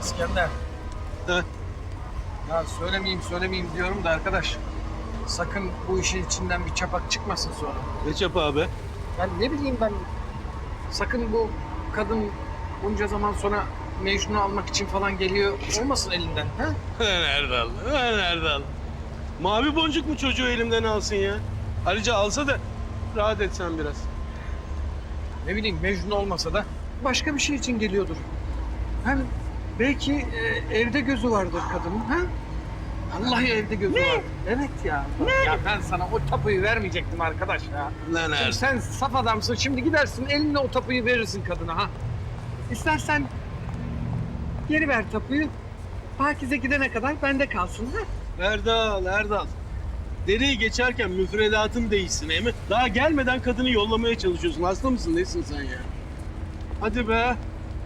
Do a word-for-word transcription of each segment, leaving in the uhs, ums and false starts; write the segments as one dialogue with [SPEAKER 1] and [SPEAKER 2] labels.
[SPEAKER 1] İskender.
[SPEAKER 2] Heh.
[SPEAKER 1] Ya söylemeyeyim söylemeyeyim diyorum da arkadaş. Sakın bu işin içinden bir çapak çıkmasın sonra.
[SPEAKER 2] Ne çapı abi?
[SPEAKER 1] Ben ne bileyim ben. Sakın bu kadın bunca zaman sonra Mecnun'u almak için falan geliyor olmasın elinden. Ha?
[SPEAKER 2] Nerede aldı? Nerede aldı? Mavi boncuk mu çocuğu elimden alsın ya? Ayrıca alsa da rahat etsen biraz.
[SPEAKER 1] Ne bileyim Mecnun olmasa da başka bir şey için geliyordur. Hem belki e, evde gözü vardır kadının. Ha? Vallahi evde gözü var. Evet ya. Ya ben sana o tapuyu vermeyecektim arkadaş ya.
[SPEAKER 2] Lan nerede?
[SPEAKER 1] Şimdi sen saf adamsın. Şimdi gidersin elinle o tapuyu verirsin kadına ha. İstersen geri ver tapuyu. Pakize gidene kadar bende kalsın ha.
[SPEAKER 2] Erdal, Erdal. Dereyi geçerken müfredatın değişsin emi. Daha gelmeden kadını yollamaya çalışıyorsun. Hasta mısın? Nesin sen ya? Hadi be.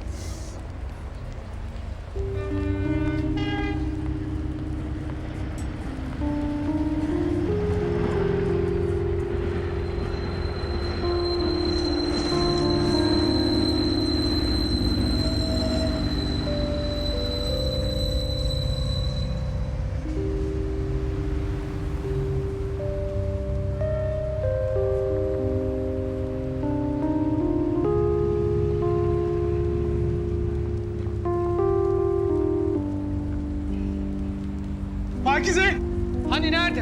[SPEAKER 1] Pakize! Hani nerede?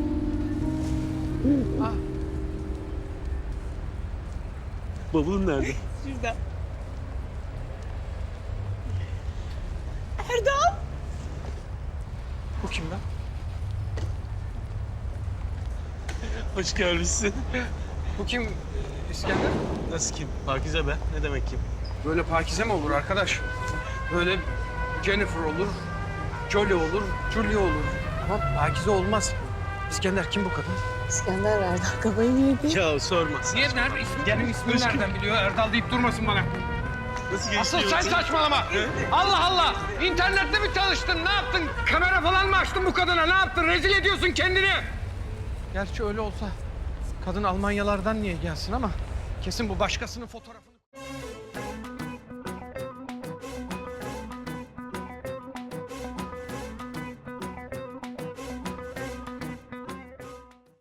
[SPEAKER 1] Ha,
[SPEAKER 2] Bavulun nerede?
[SPEAKER 3] Şurada. Erdal!
[SPEAKER 1] bu kim lan?
[SPEAKER 2] Hoş gelmişsin.
[SPEAKER 1] Bu kim İskender?
[SPEAKER 2] Nasıl kim? Pakize be. Ne demek kim?
[SPEAKER 1] Böyle Pakize mi olur arkadaş? Böyle Jennifer olur, Jolie olur, Julia olur. Ama Pakize olmaz. İskender kim bu kadın?
[SPEAKER 3] İskender Erdal kafayı mı yedi?
[SPEAKER 2] Ya sorma.
[SPEAKER 1] Niye? Nerede? İsmi, benim ismimi nereden biliyor? Erdal deyip durmasın bana.
[SPEAKER 2] Nasıl geçti?
[SPEAKER 1] Asıl sen
[SPEAKER 2] yoksa?
[SPEAKER 1] saçmalama. Allah Allah. İnternette mi çalıştın? Ne yaptın? Kamera falan mı açtın bu kadına? Ne yaptın? Rezil ediyorsun kendini. Gerçi öyle olsa kadın Almanyalardan niye gelsin ama kesin bu başkasının fotoğrafı.